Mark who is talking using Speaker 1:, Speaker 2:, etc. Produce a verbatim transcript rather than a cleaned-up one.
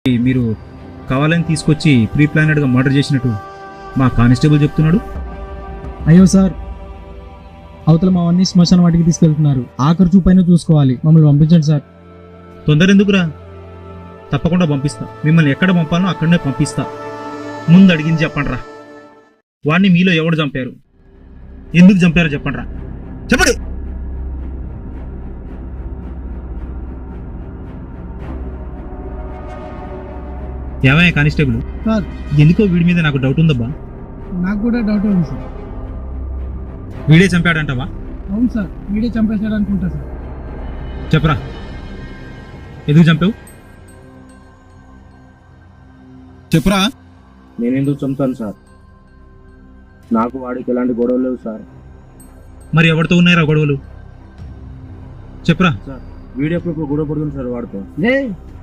Speaker 1: మీరు కావాలని తీసుకొచ్చి ప్రీ ప్లానెడ్గా మర్డర్ చేసినట్టు మా కానిస్టేబుల్ చెప్తున్నాడు.
Speaker 2: అయ్యో సార్, అవతల మావన్నీ శ్మశాన వాటికి తీసుకెళ్తున్నారు. ఆఖరి చూపైనా చూసుకోవాలి, మమ్మల్ని పంపించండి సార్.
Speaker 1: తొందర ఎందుకురా, తప్పకుండా పంపిస్తా. మిమ్మల్ని ఎక్కడ పంపాలో అక్కడనే పంపిస్తా. ముందు అడిగింది చెప్పండి రా, వాడిని మీలో ఎవడు చంపారు, ఎందుకు చంపారో చెప్పండి రా, చెప్పండి. ఏమయ్య కానిస్టేబుల్,
Speaker 2: సార్
Speaker 1: ఎందుకో వీడి మీద నాకు డౌట్ ఉందబ్బా.
Speaker 2: నాకు కూడా డౌట్ ఉంది సార్.
Speaker 1: వీడే చంపాడంటావా?
Speaker 2: అవును సార్, వీడే చంపేశాడు అనుకుంటా సార్.
Speaker 1: చెప్పరా, ఎందుకు చంపావు?
Speaker 3: చెప్పురా.
Speaker 4: నేను ఎందుకు చంపుతాను సార్? నాకు వాడికి ఎలాంటి గొడవలు లేవు సార్.
Speaker 1: మరి ఎవరితో ఉన్నాయిరా గొడవలు? చెప్పరా.
Speaker 4: సార్ వీడియో ఎప్పుడు గొడవ పడుతుంది సార్ వాడితో.